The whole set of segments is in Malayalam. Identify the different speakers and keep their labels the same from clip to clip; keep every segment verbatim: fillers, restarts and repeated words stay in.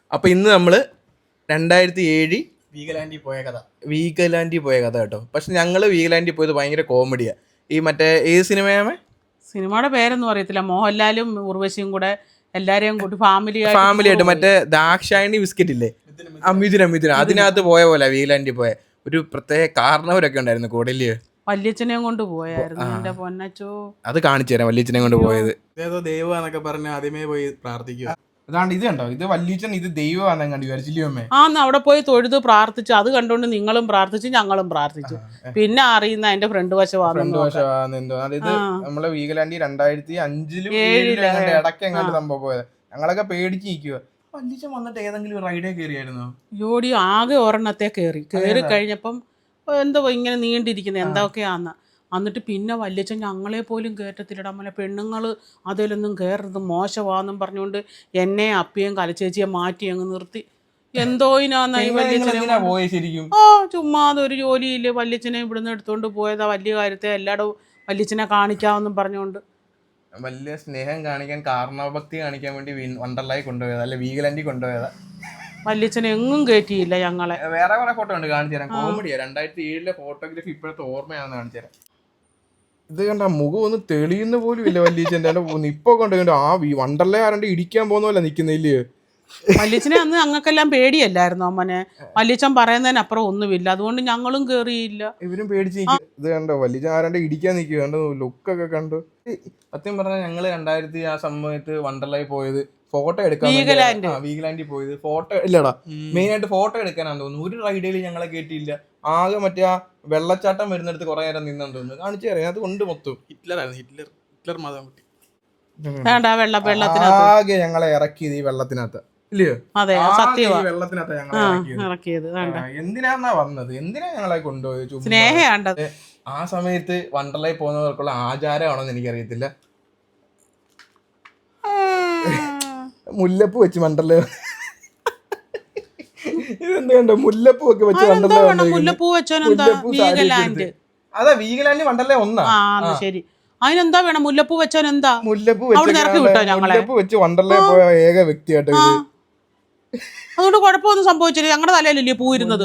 Speaker 1: അപ്പോൾ ഇന്ന് നമ്മൾ രണ്ടായിരത്തി ഏഴ്
Speaker 2: വീഗലാൻഡിൽ പോയ കഥ
Speaker 1: വീഗലാൻഡിൽ പോയ കഥ കേട്ടോ. പക്ഷെ ഞങ്ങൾ വീഗലാൻഡിൽ പോയത് ഭയങ്കര കോമഡിയാണ്. ഈ മറ്റേ ഏത് സിനിമയാമേ?
Speaker 3: സിനിമയുടെ പേരൊന്നും അറിയത്തില്ല. മോഹൻലാലും ഉർവശിയും കൂടെ എല്ലാരെയും കൂട്ടി ഫാമിലി
Speaker 1: ഫാമിലി ആയിട്ട് മറ്റേ ദാക്ഷായണി ബിസ്ക്കറ്റ് ഇല്ലേ, അമിതുര അമിതുര അതിനകത്ത് പോയ പോലെ വീഗലാൻഡിൽ പോയ ഒരു പ്രത്യേക കാരണവരൊക്കെ ഉണ്ടായിരുന്നു കൂടല്.
Speaker 3: വല്യച്ഛനെയും കൊണ്ട് പോയായിരുന്നു എന്റെ പൊന്നച്ചോ. അത്
Speaker 1: കാണിച്ചു തരാം വല്യച്ഛനെ കൊണ്ട് പോയത്.
Speaker 2: ഏതോ ദൈവമാന്നൊക്കെ പറഞ്ഞ് ആദ്യമേ പോയി പ്രാർത്ഥിക്കുക.
Speaker 1: അതാണ്ട് ഇത് കണ്ടോ, ഇത് വല്യച്ഛൻ ഇത് ദൈവമാണെന്ന് കണ്ടു വിചാരിച്ചില്ലേ അമ്മേ?
Speaker 3: ആന്ന് അവിടെ പോയി തൊഴുത് പ്രാർത്ഥിച്ചു. അത് കണ്ടുകൊണ്ട് നിങ്ങളും പ്രാർത്ഥിച്ചു, ഞങ്ങളും പ്രാർത്ഥിച്ചു. പിന്നെ അറിയുന്ന എന്റെ ഫ്രണ്ട് വശമാണെന്ന്.
Speaker 1: അതായത് നമ്മളെ വീഗലാൻഡിൽ രണ്ടായിരത്തി അഞ്ചിലും ഏഴിലും ഇടയ്ക്ക് എങ്ങാണ്ട് സംഭവം പോയത്. ഞങ്ങളൊക്കെ പേടിച്ച് നിൽക്കുക. വല്യച്ഛൻ വന്നിട്ട് ഏതെങ്കിലും റൈഡേ കയറിയായിരുന്നോ?
Speaker 3: ജോഡി ആകെ ഒരെണ്ണത്തെ കയറി കയറി കഴിഞ്ഞപ്പം എന്തോ ഇങ്ങനെ നീണ്ടിരിക്കുന്നത് എന്തൊക്കെയാന്ന്. എന്നിട്ട് പിന്നെ വല്യച്ഛൻ ഞങ്ങളെ പോലും കയറ്റത്തില്ലട. നമ്മളെ പെണ്ണുങ്ങൾ അതിലൊന്നും കയറരുത് മോശമാണെന്നും പറഞ്ഞുകൊണ്ട് എന്നെ അപ്പിയും കലച്ചേച്ചിയെ മാറ്റി അങ്ങ് നിർത്തി. എന്തോ ഇനാന്ന ഈ വല്യച്ഛനെ ആ ചുമ്മാ അതൊരു ജോലിയില്ലേ. വല്യച്ഛനെ ഇവിടുന്ന് എടുത്തോണ്ട് പോയതാ വലിയ കാര്യത്തെ എല്ലായിടവും വല്യച്ഛനെ കാണിക്കാമെന്നും പറഞ്ഞുകൊണ്ട്.
Speaker 1: വലിയ സ്നേഹം കാണിക്കാൻ, കാരണഭക്തി കാണിക്കാൻ വേണ്ടി വണ്ടർലായി കൊണ്ടുപോയതാ, അല്ലെ വീഗലാൻഡിൽ കൊണ്ടുപോയതാ.
Speaker 3: വല്യച്ഛനെ എങ്ങും കയറ്റിയില്ല ഞങ്ങളെ.
Speaker 1: വേറെ കുറെ ഫോട്ടോ ഉണ്ട്, കാണിച്ചു തരാം. കോമഡിയാ. രണ്ടായിരത്തി ഏഴിലെ ഫോട്ടോഗ്രാഫി ഇപ്പോഴത്തെ ഓർമ്മയാണെന്ന് കാണിച്ചു തരാം. ഇത് കണ്ട മുഖം ഒന്ന് തെളിയുന്ന പോലും ഇല്ല വല്യച്ഛൻ്റെ. ഇപ്പൊ കൊണ്ട് ആ വണ്ടർലേ ആരണ്ട് ഇടിക്കാൻ പോകുന്ന പോലെ നിക്കുന്നില്ലേ
Speaker 3: വല്യച്ഛനെ. അന്ന് ഞങ്ങൾക്കെല്ലാം പേടിയല്ലായിരുന്നു അമ്മനെ. വല്യച്ഛൻ പറയുന്നതിനപ്പുറം ഒന്നുമില്ല, അതുകൊണ്ട് ഞങ്ങളും കേറിയില്ല.
Speaker 1: ഇവരും പേടിച്ച്. ഇത് കണ്ടോ വല്യച്ഛൻ ആരാണ്ട് ഇടിക്കാൻ നിൽക്കുക, കണ്ടോ ലുക്കൊക്കെ കണ്ടു. സത്യം പറഞ്ഞാൽ ഞങ്ങള് രണ്ടായിരത്തി ആ സമയത്ത് വണ്ടർലായി പോയത് ഫോട്ടോ എടുക്കാൻ, വീഗലാൻഡിൽ പോയത് ഫോട്ടോ ഇല്ലടാ, മെയിൻ ആയിട്ട് ഫോട്ടോ എടുക്കാനാന്ന് തോന്നുന്നു. ഒരു റൈഡിൽ ഞങ്ങളെ കേട്ടിയില്ല. ആകെ മറ്റേ ആ വെള്ളച്ചാട്ടം വരുന്നിടത്ത് കുറെ നേരം നിന്നെന്ന് തോന്നുന്നു. കാണിച്ചു തരാം. അത് കൊണ്ട് മൊത്തം
Speaker 2: ഹിറ്റ്ലറായിരുന്നു. ഹിറ്റ്ലർ ഹിറ്റ്ലർ മാതാൻ കുട്ടി
Speaker 1: ആകെ ഞങ്ങളെ ഇറക്കിയത് ഈ വെള്ളത്തിനകത്ത് ഇല്ലയോ?
Speaker 3: അതെ, സത്യമാണ്.
Speaker 1: വെള്ളത്തിനകത്ത് ഞങ്ങളെ ഇറക്കിയത്. എന്തിനാന്നാ വന്നത്, എന്തിനാ ഞങ്ങളെ കൊണ്ടുപോയത്?
Speaker 3: സ്നേഹം.
Speaker 1: ആ സമയത്ത് വണ്ടർലായി പോകുന്നവർക്കുള്ള ആചാരമാണെന്ന് എനിക്കറിയത്തില്ല. മുല്ലപ്പൂ വെച്ച് വണ്ടർല ഇതെന്താ കണ്ടോ, മുല്ലപ്പൂ ഒക്കെ വെച്ച് വണ്ടർല.
Speaker 3: മുല്ലപ്പൂ വീഗലാൻഡ്.
Speaker 1: അതാ വീഗലാൻഡ് വണ്ടർല ഒന്നാ.
Speaker 3: ശരി, അതിനെന്താ വേണം? മുല്ലപ്പൂ വെച്ചാൽ എന്താ?
Speaker 1: മുല്ലപ്പൂ മുല്ലപ്പൂ വെച്ച് വണ്ടർല പോയ ഏക വ്യക്തിയായിട്ട്.
Speaker 3: അതുകൊണ്ട് കുഴപ്പമൊന്നും സംഭവിച്ചില്ല. ഞങ്ങളുടെ തലയിലല്ലേ പൂ ഇരുന്നത്.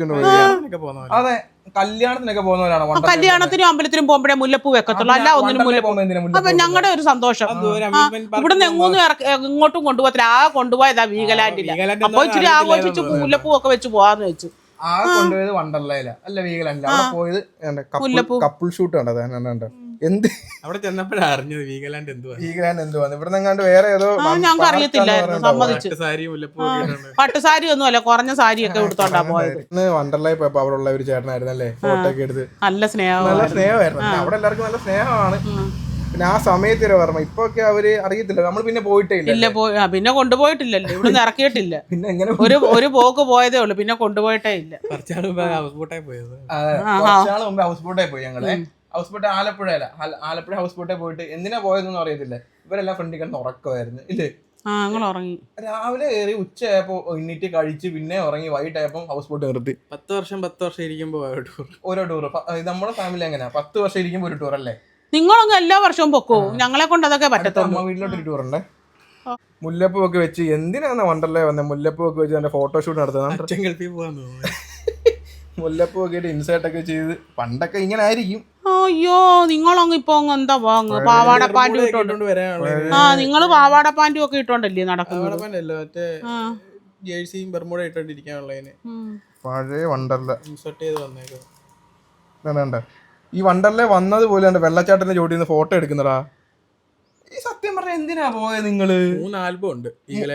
Speaker 1: അതെ, കല്യാണത്തിനൊക്കെ പോകുന്നവരാണ്.
Speaker 3: കല്യാണത്തിനും അമ്പലത്തിനും പോകുമ്പോഴേ മുല്ലപ്പൂ വെക്കത്തുള്ളൂ, അല്ല ഒന്നിനും മുല്ലപ്പൂ. അപ്പൊ ഞങ്ങളുടെ ഒരു സന്തോഷം. ഇവിടുന്ന് എങ്ങോന്നും ഇങ്ങോട്ടും കൊണ്ടുപോകത്തില്ല. ആ കൊണ്ടുപോയതാ വീഗലാൻഡില്ല. അപ്പൊ ഇച്ചിരി ആഘോഷിച്ച് മുല്ലപ്പൂ ഒക്കെ വെച്ച് പോവാന്ന് വെച്ചു.
Speaker 1: ആ കൊണ്ടുപോയത് വണ്ടർലയില അല്ല വീഗലാൻഡിൽ. അവിടെ പോയത് മുല്ലപ്പൂ കപ്പിൾ ഷൂട്ട് കണ്ടത്. എന്ത്
Speaker 2: അവിടെ ചെന്നപ്പോഴാണ് അറിഞ്ഞത് വീഗലാൻഡ് എന്തുവാ
Speaker 1: വീഗലാൻഡ് എന്തുവാന്ന്. ഇവിടെ നിങ്ങാണ്ട് വേറെ ഏതോ
Speaker 3: ഞങ്ങൾക്ക് അറിയത്തില്ലായിരുന്നു. സമ്മതിച്ചു. പട്ടുസാരി ഒന്നും അല്ല, കുറഞ്ഞ സാരിയൊക്കെ എടുത്തോണ്ടാ പോയത്.
Speaker 1: വണ്ടർലായി പോയപ്പോ അവിടെ ഉള്ള ഒരു ചേട്ടനായിരുന്നു അല്ലേ ഫോട്ടോ ഒക്കെ എടുത്ത്.
Speaker 3: നല്ല സ്നേഹം,
Speaker 1: നല്ല സ്നേഹമായിരുന്നു. അവിടെ എല്ലാവർക്കും നല്ല സ്നേഹമാണ്. പിന്നെ ആ സമയത്ത് ഓർമ്മ. ഇപ്പൊ ഒക്കെ അവര് അറിയത്തില്ല. നമ്മൾ പിന്നെ പോയിട്ടേ ഇല്ല.
Speaker 3: പിന്നെ കൊണ്ടുപോയിട്ടില്ലല്ലോ, ഇവിടുന്ന് ഇറക്കിയിട്ടില്ല. പിന്നെ എങ്ങനെ ഒരു ഒരു പോക്ക് പോയതേ ഉള്ളു, പിന്നെ കൊണ്ടുപോയിട്ടേ ഇല്ല.
Speaker 2: ഹൗസ് ബോട്ടായി പോയത്.
Speaker 1: കുറച്ചാള് മുമ്പ് ഹൗസ് ബോട്ടായി പോയി ഞങ്ങളെ. ഹൗസ് ബോട്ട് ആലപ്പുഴയല്ല, ആലപ്പുഴ ഹൗസ് ബോട്ടേ പോയിട്ട് എന്തിനാ പോയതെന്നൊന്നും അറിയത്തില്ല. ഇവരെല്ലാം ഫ്രണ്ടിൽ കിടന്ന് ഉറക്കമായിരുന്നു ഇല്ലേ.
Speaker 3: ഉറങ്ങി.
Speaker 1: രാവിലെ കയറി ഉച്ചയായപ്പോ എണ്ണീറ്റ് കഴിച്ച് പിന്നെ ഉറങ്ങി. വൈകിട്ടായപ്പോ ഹൗസ് ബോട്ട് നിർത്തി.
Speaker 2: പത്ത് വർഷം പത്ത് വർഷം ഇരിക്കുമ്പോ
Speaker 1: ഓരോ ടൂർ. നമ്മുടെ ഫാമിലി എങ്ങനെയാ, പത്ത് വർഷം ഇരിക്കുമ്പോ ഒരു ടൂർ അല്ലേ?
Speaker 3: നിങ്ങളൊന്നും എല്ലാ വർഷവും പൊക്കോ, ഞങ്ങളെ കൊണ്ട് അതൊക്കെ പറ്റത്തുള്ളൂ.
Speaker 1: വീട്ടിലോട്ടൊരു ടൂർ ഉണ്ടേ. മുല്ലപ്പൂ ഒക്കെ വെച്ച് എന്തിനാണ് വണ്ടർലേ വന്നത്? മുല്ലപ്പൂ ഒക്കെ വെച്ച് എന്റെ ഫോട്ടോഷൂട്ട് നടത്തുന്നത്. മുല്ലപ്പൂ ഒക്കെ ഇൻസേർട്ട് ഒക്കെ ചെയ്ത് പണ്ടൊക്കെ ഇങ്ങനെ ആയിരിക്കും.
Speaker 3: അയ്യോ, നിങ്ങളങ്ങ് ഇപ്പൊ എന്താ വാങ്ങ പാവാട പാൻറ്റും ഇട്ടോണ്ട് ആ നിങ്ങള് പാവാട പാൻറ്റും ഒക്കെ ഇട്ടോണ്ടല്ലേ നടക്കുന്നത്?
Speaker 2: ജേഴ്സിയും ബർമൂഡ ഇട്ടോണ്ടിരിക്കാനുള്ളതിന്
Speaker 1: പഴയ വണ്ടർല
Speaker 2: ഇൻസേർട്ട് ചെയ്ത്
Speaker 1: വന്നേക്കോ. ഈ വണ്ടർലേ വന്നത് പോലെ വെള്ളച്ചാട്ടത്തിന്റെ ചോട്ടിൽ നിന്ന് ഫോട്ടോ എടുക്കുന്നടാ. ഈ സത്യം പറഞ്ഞ എന്തിനാ പോയത് നിങ്ങള്?
Speaker 2: മൂന്ന് ആൽബം ഉണ്ട്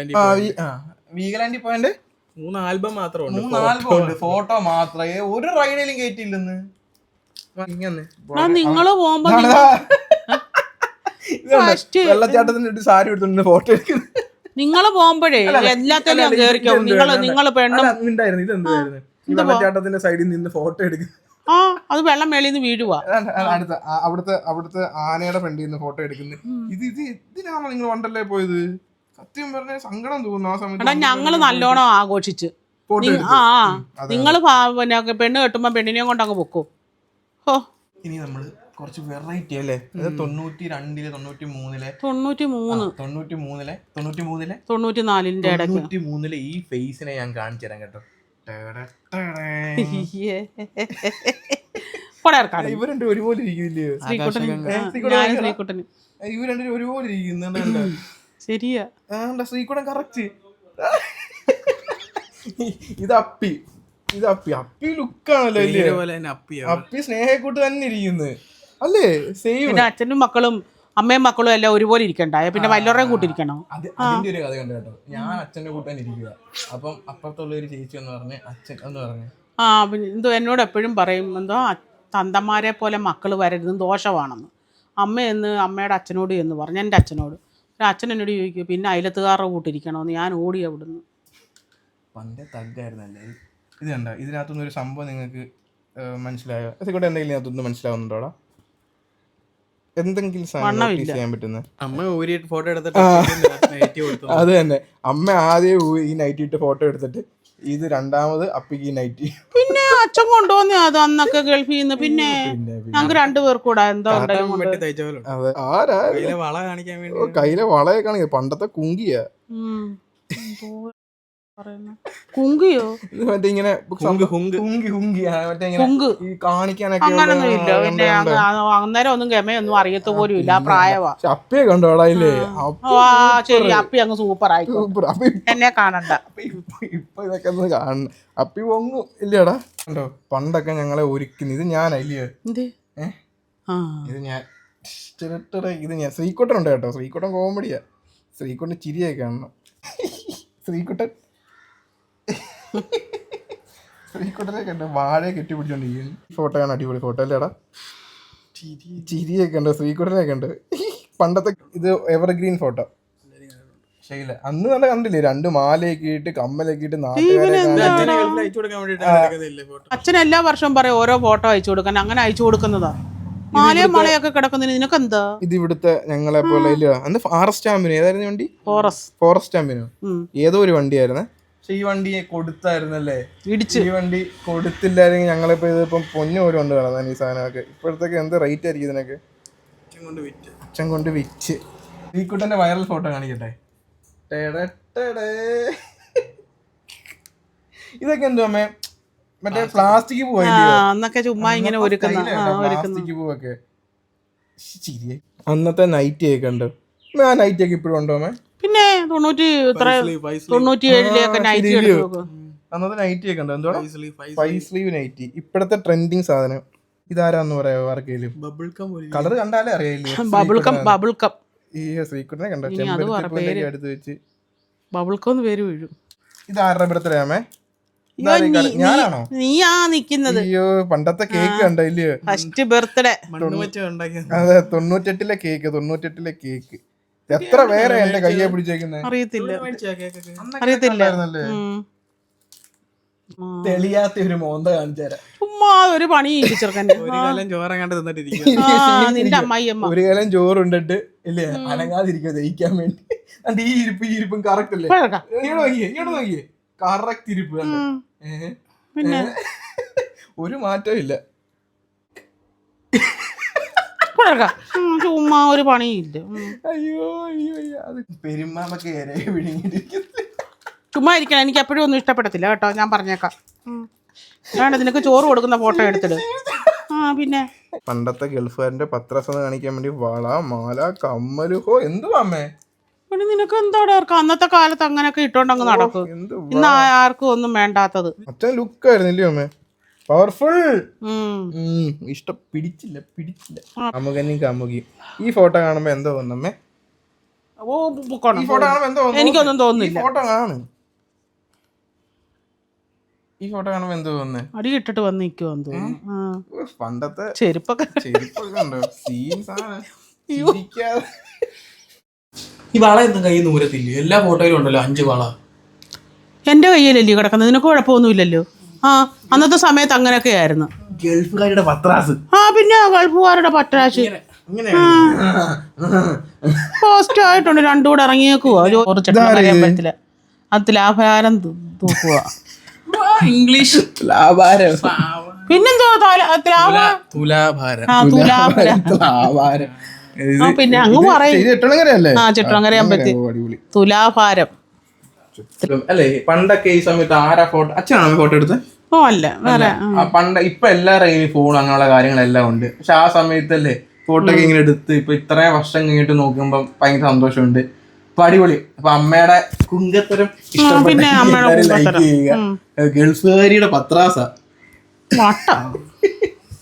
Speaker 1: വീഗലാൻഡിൽ പോയതിന്റെ.
Speaker 2: മൂന്ന് ആൽബം മാത്രമുണ്ട്.
Speaker 1: മൂന്ന് ആൽബം ഉണ്ട്, ഫോട്ടോ മാത്രമേ. ഒരു റൈഡിലും കയറ്റിയില്ലെന്ന്.
Speaker 3: നിങ്ങള് പോകുമ്പോ
Speaker 1: വെള്ളച്ചാട്ടത്തിന്റെ സാരി എടുത്തോണ്ട് ഫോട്ടോ എടുക്കുന്നത്.
Speaker 3: നിങ്ങള് പോകുമ്പോഴേ എല്ലാത്തിലും കേറിക്കോ. നിങ്ങള് നിങ്ങള് പെണ്ണും
Speaker 1: ഇതെന്തായിരുന്നു വെള്ളച്ചാട്ടത്തിന്റെ സൈഡിൽ നിന്ന് ഫോട്ടോ എടുക്കുന്നത്.
Speaker 3: ആ അത് വെള്ളം മേളിൽ നിന്ന് വീഴുവാ.
Speaker 1: അടുത്ത അവിടുത്തെ അവിടുത്തെ ആനയുടെ ഫ്രണ്ടിൽ നിന്ന് ഫോട്ടോ എടുക്കുന്നത്. ഇത് ഇത് ഇതിനാണോ നിങ്ങൾ വണ്ടർലേ പോയത്? സത്യം പറഞ്ഞ സങ്കടം തോന്നുന്നു ആ സമയത്ത്.
Speaker 3: ഞങ്ങള് നല്ലോണം ആഘോഷിച്ച്. ആ നിങ്ങള് പിന്നെ പെണ്ണ് കെട്ടുമ്പോ പെണ്ണിനെയും കൊണ്ട് അങ്ങ് പൊക്കോ.
Speaker 1: ഇനി നമ്മള് കുറച്ച് വെറൈറ്റി അല്ലേ? അത് തൊണ്ണൂറ്റി രണ്ടിലെ തൊണ്ണൂറ്റി മൂന്നിലെ
Speaker 3: തൊണ്ണൂറ്റി മൂന്ന്
Speaker 1: തൊണ്ണൂറ്റി മൂന്നിലെ തൊണ്ണൂറ്റി മൂന്നിലെ
Speaker 3: തൊണ്ണൂറ്റി നാലിന്റെ ഇടയ്ക്ക്
Speaker 1: തൊണ്ണൂറ്റി മൂന്നിലെ ഈ ഫേസിനെ ഞാൻ കാണിച്ചു തരാം കേട്ടോ. ഇവർ രണ്ടും ഒരുപോലെ ഇരിക്കുന്നില്ലയോ?
Speaker 3: ശ്രീകുട്ടന്
Speaker 1: ഇവർ രണ്ടും ഒരുപോലെ ഇരിക്കുന്നുണ്ട്.
Speaker 3: ശരിയാ,
Speaker 1: ശ്രീകുട്ടൻ കറക്റ്റ്. ഇത് അപ്പി, ഇത് അപ്പി അപ്പി ലുക്കാണല്ലോ ഇല്ലേ? അപ്പി സ്നേഹക്കൂട്ട് തന്നെ ഇരിക്കുന്നത് അല്ലേ? സെയിം.
Speaker 3: പിന്നെ അച്ഛനും മക്കളും അമ്മയും മക്കളും എല്ലാം ഒരുപോലെ ഇരിക്കണ്ടായ പിന്നെ വല്ലവരുടെയും കൂട്ടിരിക്കണം.
Speaker 1: അത് അതിന്റെ ഒരു കഥ കണ്ടു കേട്ടോ. ഞാൻ അച്ഛന്റെ കൂട്ടാൻ ഇരിക്കുക. അപ്പം അപ്പുറത്തുള്ള ഒരു ചേച്ചി എന്ന് പറഞ്ഞ് അച്ഛൻ എന്ന് പറഞ്ഞു
Speaker 3: ആ പിന്നെ എന്തോ എന്നോട് എപ്പോഴും പറയും എന്തോ തന്തമാരെ പോലെ മക്കൾ വരരുത്, ദോഷമാണെന്ന്. അമ്മയെന്ന് അമ്മയുടെ അച്ഛനോട് എന്ന് പറഞ്ഞു, എൻ്റെ അച്ഛനോട്. അച്ഛൻ എന്നോട് ചോദിക്കും പിന്നെ അയലത്തുകാരുടെ കൂട്ടിരിക്കണമെന്ന്. ഞാൻ ഓടി അവിടുന്ന്.
Speaker 1: പണ്ടേ തഗ്ഗായിരുന്നല്ലേ. ഇത് കണ്ട, ഇതിനകത്തുനിന്ന് ഒരു സംഭവം നിങ്ങൾക്ക് മനസ്സിലായോ? അതുകൂടെ എന്തെങ്കിലും ഇതിനകത്തൊന്നും മനസ്സിലാവുന്നുണ്ടോടാ? എന്തെങ്കിലും സാധനം ചെയ്യാൻ പറ്റുന്ന
Speaker 2: അമ്മ ഊരിയിട്ട് ഫോട്ടോ എടുത്തിട്ട്
Speaker 1: അത് തന്നെ. അമ്മ ആദ്യം ഈ നൈറ്റ് ഇട്ട് ഫോട്ടോ എടുത്തിട്ട് ഇത് രണ്ടാമത് അപ്പിക്ക് ഈ നൈറ്റ്.
Speaker 3: പിന്നെ അച്ഛൻ കൊണ്ടുവന്നേ അത് അന്നൊക്കെ ഗൾഫിൽ നിന്ന്. പിന്നെ ഞങ്ങൾക്ക് രണ്ടുപേർക്കൂടാ എന്തോ
Speaker 1: അതെ. ആരാ
Speaker 2: വള കാണിക്കാൻ വേണ്ടി
Speaker 1: കയ്യിലെ വളയെ കാണിക്ക. പണ്ടത്തെ കുങ്കിയാ.
Speaker 3: കുങ്കിയോ?
Speaker 1: മറ്റേ ഇങ്ങനെ കാണിക്കാനൊക്കെ
Speaker 3: അങ്ങനൊന്നും ഇല്ല. പിന്നെ അന്നേരം ഒന്നും ഗമയൊന്നും അറിയത്ത പോലും ഇല്ല. ആ പ്രായവാ.
Speaker 1: അപ്പിയെ കണ്ടോടാ ഇല്ലേ?
Speaker 3: ശരി, അപ്പി അങ്ങ് സൂപ്പർ ആയി. എന്നെ കാണണ്ട.
Speaker 1: ഇപ്പൊ ഇതൊക്കെ ഒന്ന് കാണണം. അപ്പി പൊങ്ങും ഇല്ലടാ. കണ്ടോ പണ്ടൊക്കെ ഞങ്ങളെ ഒരുക്കുന്നു. ഇത് ഞാനല്ലയോ? ഏഹ് ഇത് ഞാൻ. ഇത് ഞാൻ. ശ്രീകുട്ടൻ ഉണ്ട് കേട്ടോ. ശ്രീകുട്ടൻ കോമഡിയാ. ശ്രീകുട്ടൻ ചിരിയൊക്കെ കാണണം. ശ്രീകുട്ടൻ ശ്രീകുട്ടനെ കണ്ടോ വാഴയെ കെട്ടിപ്പിടിച്ചോണ്ടിരിക്കുന്നു. ഫോട്ടോ ആണ് അടിപൊളി ഫോട്ടോ അല്ലേടാ? ചിരിയൊക്കെ ഉണ്ടോ? ശ്രീകുട്ടനെ കണ്ട് പണ്ടത്തെ ഇത് എവർഗ്രീൻ ഫോട്ടോ. ശൈല അന്ന് നല്ല കണ്ടില്ലേ? രണ്ട് മാലയൊക്കെ ഇട്ട് കമ്മലൊക്കെ ഇട്ട്
Speaker 3: അച്ഛൻ എല്ലാ വർഷവും പറയും ഓരോ ഫോട്ടോ അയച്ചു കൊടുക്കാൻ. അങ്ങനെ അയച്ചു കൊടുക്കുന്നതാ. മാലയും മളയൊക്കെ കിടക്കുന്നതിന് നിനക്ക് എന്താ?
Speaker 1: ഇത് ഇവിടുത്തെ ഞങ്ങളെ പോലെ അന്ന് ഫോറസ്റ്റ് സ്റ്റാമ്പിന് ഏതായിരുന്നു വണ്ടി? ഫോറസ്റ്റ് ഫോറസ്റ്റ് സ്റ്റാമ്പിനോ ഏതോ ഒരു വണ്ടിയായിരുന്നേ. പക്ഷെ ഈ വണ്ടിയെ കൊടുത്തായിരുന്നല്ലേ? ഇടിച്ച്. ഈ വണ്ടി കൊടുത്തില്ലായിരുന്നെങ്കിൽ ഞങ്ങളിപ്പോ ഇതിപ്പം പൊന്നു പോലും കൊണ്ട് കാണാൻ ഈ സാധനമൊക്കെ. ഇപ്പോഴത്തേക്ക് എന്ത് റേറ്റ് ആയിരിക്കും ഇതിനൊക്കെ? അച്ഛൻ കൊണ്ട് വിറ്റ്. ഈ കുട്ടന്റെ വൈറൽ ഫോട്ടോ കാണിക്കട്ടെ. ഇതൊക്കെ എന്തോ അമ്മേ? മറ്റേ പ്ലാസ്റ്റിക്
Speaker 3: പൂവൊക്കെ ചുമ്മാ ഇങ്ങനെ
Speaker 1: പ്ലാസ്റ്റിക് പൂവൊക്കെ. അന്നത്തെ നൈറ്റി ഒക്കെ ഉണ്ട്. ആ നൈറ്റി ഒക്കെ ഇപ്പോഴും ഉണ്ടോ അമ്മേ?
Speaker 3: പിന്നെ തൊണ്ണൂറ്റി തൊണ്ണൂറ്റി ഏഴിലെയൊക്കെ നൈറ്റി
Speaker 1: അന്നത്തെ നൈറ്റി ഒക്കെ ഉണ്ടോ? എന്തോ ഫൈവ് സ്ലീവ് നൈറ്റി. ഇപ്പോഴത്തെ ട്രെൻഡിങ് സാധനം. ഇതാരാന്ന് പറയാ ആർക്കെങ്കിലും? കളർ കണ്ടാലേ അറിയില്ലേ?
Speaker 3: Bubble gum. Bubble gum.
Speaker 1: ഈ ശ്രീകുട്ടനെ കണ്ടോ? ചെമ്പരത്തി അടുത്ത് വെച്ച്
Speaker 3: ബബിൾ കം എന്ന് പേര് വീഴും.
Speaker 1: ഇത് ആരുടെ ബർത്ത്ഡേ ആമേ?
Speaker 3: ഞാനാണോ? നീയാ നിക്കുന്നത്.
Speaker 1: അയ്യോ പണ്ടത്തെ കേക്ക് കണ്ടോ ഇല്ലയോ?
Speaker 3: First birthday.
Speaker 1: അതെ തൊണ്ണൂറ്റെട്ടിലെ കേക്ക്. തൊണ്ണൂറ്റെട്ടിലെ കേക്ക് എത്ര പേരെ എന്റെ കയ്യെ പിടിച്ചേക്കുന്നത്
Speaker 3: അറിയത്തില്ല. അറിയത്തില്ല.
Speaker 1: തെളിയാത്ത ഒരു മോന്ത കാണിച്ചു തരാം.
Speaker 3: ചുമ്മാ ഒരു പണി ചെറുക്കൻ്റെ. നിന്റെ അമ്മായിയമ്മ
Speaker 1: ഒരു കാലം ചോറുണ്ടിട്ട് ഇല്ലേ അനങ്ങാതിരിക്കുക ദഹിക്കാൻ വേണ്ടി. അണ്ട് ഈ ഇരിപ്പ് ഈ ഇരിപ്പും കറക്റ്റ് അല്ലേ? ഇങ്ങോട്ട് നോക്കിയേ ഇങ്ങോട്ട് നോക്കിയേ കറക്റ്റ് ഇരിപ്പ്.
Speaker 3: പിന്നെ
Speaker 1: ഒരു മാറ്റവും ഇല്ല.
Speaker 3: ചുമ്മാ ഒരു പണിയില്ല.
Speaker 1: അയ്യോ അയ്യോ അത് പെരുമാമൊക്കെ വിഴുങ്ങിട്ടിരിക്കുന്നു.
Speaker 3: ചുമ്മാ ഇരിക്കണം. എനിക്ക് എപ്പോഴും ഒന്നും ഇഷ്ടപ്പെടത്തില്ല കേട്ടോ, ഞാൻ പറഞ്ഞേക്കാം. വേണ്ട നിനക്ക് ചോറ് കൊടുക്കുന്ന ഫോട്ടോ എടുത്തിട്ട്. ആ പിന്നെ
Speaker 1: പണ്ടത്തെ ഗൾഫുകാരന്റെ പത്രസ കാണിക്കാൻ വേണ്ടി വള മാല കമ്മല് ഹോ എന്തുവാ അമ്മേ?
Speaker 3: പിന്നെ നിനക്ക് എന്താടാ അന്നത്തെ കാലത്ത് അങ്ങനെയൊക്കെ ഇട്ടോണ്ടങ്ങ് നടക്കും. ഇന്ന് ആർക്കും ഒന്നും വേണ്ടാത്തത്.
Speaker 1: അച്ഛൻ ലുക്ക് ആയിരുന്നില്ലേ അമ്മേ? പവർഫുൾ. ഇഷ്ടം പിടിച്ചില്ല പിടിച്ചില്ല അമുകനും കമുകി. ഈ ഫോട്ടോ കാണുമ്പോ എന്തോ തോന്നുന്നമ്മേ?
Speaker 3: എനിക്കൊന്നും തോന്നുന്നില്ല.
Speaker 1: ഫോട്ടോ കാണു. ഈ ഫോട്ടോ കാണുമ്പോ എന്തോ തോന്നുന്നേ?
Speaker 3: അടി ഇട്ടിട്ട് വന്ന് നിൽക്കുവാന്ന് തോന്നുന്നു.
Speaker 1: പണ്ടത്തെ
Speaker 3: ചെരുപ്പൊക്കെ
Speaker 1: ചെരുപ്പൊക്കെ ഉണ്ടോ? സീൻസ് ആണ്.
Speaker 2: ഈ വള എന്തും കയ്യിൽ നൂരത്തില്ല. എല്ലാ ഫോട്ടോയിലും ഉണ്ടല്ലോ അഞ്ച് വള.
Speaker 3: എന്റെ കയ്യിലല്ലേ കിടക്കുന്നത്? നിനക്ക് കുഴപ്പമൊന്നുമില്ലല്ലോ. ആ അന്നത്തെ സമയത്ത് അങ്ങനെയൊക്കെ ആയിരുന്നു.
Speaker 1: ഗൾഫുകാരുടെ പത്രാസ്.
Speaker 3: ആ പിന്നെ ഗൾഫുകാരുടെ പത്രാസ് പോസ്റ്റ് ആയിട്ടുണ്ട്. രണ്ടുകൂടെ ഇറങ്ങിയേക്കുവാ. അമ്പലത്തില് അത് ലാഭാരം തൂക്കുക.
Speaker 2: ഇംഗ്ലീഷ് ലാഭാരം
Speaker 3: പിന്നെന്തോ
Speaker 2: തുലാഭാരം
Speaker 3: ആ തുലാപര
Speaker 1: തുലാഭാരം. ഇത്
Speaker 3: ആ പിന്നെ അങ്ങ് പറയും
Speaker 1: ഇത് എട്ടണങ്ങരയല്ലേ?
Speaker 3: ആ ചിത്രങ്കര അമ്പലത്തിൽ
Speaker 1: അടിപൊളി
Speaker 3: തുലാഭാരം.
Speaker 1: അല്ലേ? പണ്ടൊക്കെ ഈ സമയത്ത് ആരാ ഫോട്ടോ, അച്ഛനാണോ ഫോട്ടോ എടുത്തത്?
Speaker 3: ഓ അല്ല വേറെ
Speaker 1: ആ പണ്ട് ഇപ്പൊ എല്ലാ കയ്യിലും ഫോൺ അങ്ങനെയുള്ള കാര്യങ്ങളെല്ലാം ഉണ്ട്. പക്ഷെ ആ സമയത്തല്ലേ ഫോട്ടോ ഒക്കെ ഇങ്ങനെ എടുത്ത് ഇപ്പൊ ഇത്രയും വർഷം കഴിഞ്ഞിട്ട് നോക്കുമ്പോ ഭയങ്കര സന്തോഷമുണ്ട്. അപ്പൊ അടിപൊളി. അപ്പൊ അമ്മയുടെ കുങ്കത്തരം
Speaker 3: പിന്നെ അമ്മയുടെ
Speaker 1: ലൈക്ക് ചെയ്യുക. ഗൾഫുകാരിയുടെ പത്രാസ
Speaker 3: വട്ട